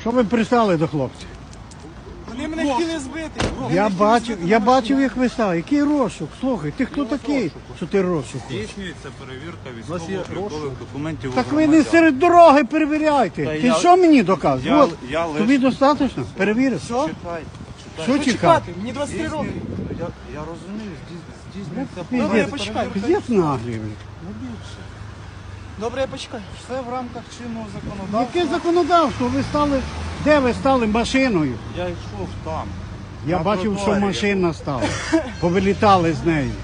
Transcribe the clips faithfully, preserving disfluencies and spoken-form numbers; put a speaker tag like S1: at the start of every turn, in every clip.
S1: Що ви пристали до хлопців?
S2: Вони мене хотіли збити. Вони
S1: Я
S2: мене хотіли
S1: бачив,
S2: збити
S1: я
S2: на
S1: бачив,
S2: машині.
S1: як ви стали. Який розшук? Слухай, ти хто такий, що ти розшук?
S3: Здійснюється перевірка
S2: нас є
S3: військово-облікових документів. у
S1: Так ви не
S3: громадян.
S1: серед дороги перевіряйте.
S3: Та
S1: Ти
S3: я-
S1: що мені доказуєш?
S3: я-
S1: От,
S3: я лише-
S1: тобі достатньо? Перевіриш?
S2: Що?
S3: Чекайте,
S1: Що
S3: чекайте.
S1: чекати?
S2: Чекати, мені двадцять три роки.
S3: Здійснює- Я, я розумію, здійс- здійснюється
S2: Добре, я
S1: Піздець,
S2: почекаю.
S1: піздець наглий, блін.
S2: Добре, я почекаю.
S3: все в рамках чинного законодавства.
S1: Яке законодавство? Ви стали, де ви стали машиною?
S3: Я йшов там.
S1: Я
S3: На
S1: бачив, що
S3: тротуарі
S1: машина стала. Повилітали з неї.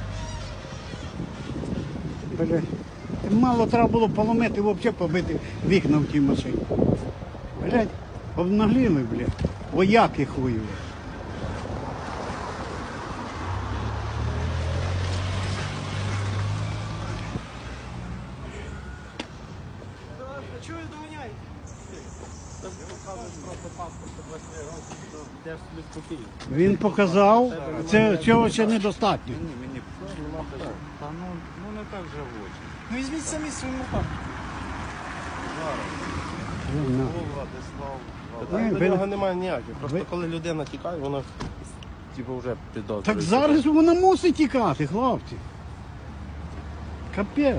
S1: Бля, мало треба було поломити, взагалі побити вікна в тій машині. Блядь, обнагліли, блядь. Вояки хуєві.
S2: А чого ви доганяєте?
S1: Він показав, це цього ще недостатньо.
S3: Мені, мені. Та ну, ну не так же в очі.
S2: Ну візьміть самі своїм руками.
S1: Ну,
S3: О, Владислав.
S1: Ні,
S4: До
S1: ви-
S4: нього немає ніяких. Просто
S1: ви-
S4: коли людина тікає, вона типу вже підозрює.
S1: Так зараз вона мусить тікати, хлопці. Капець.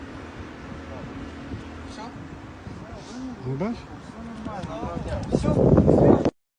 S2: Все?
S1: Ну, бачиш?
S2: Все?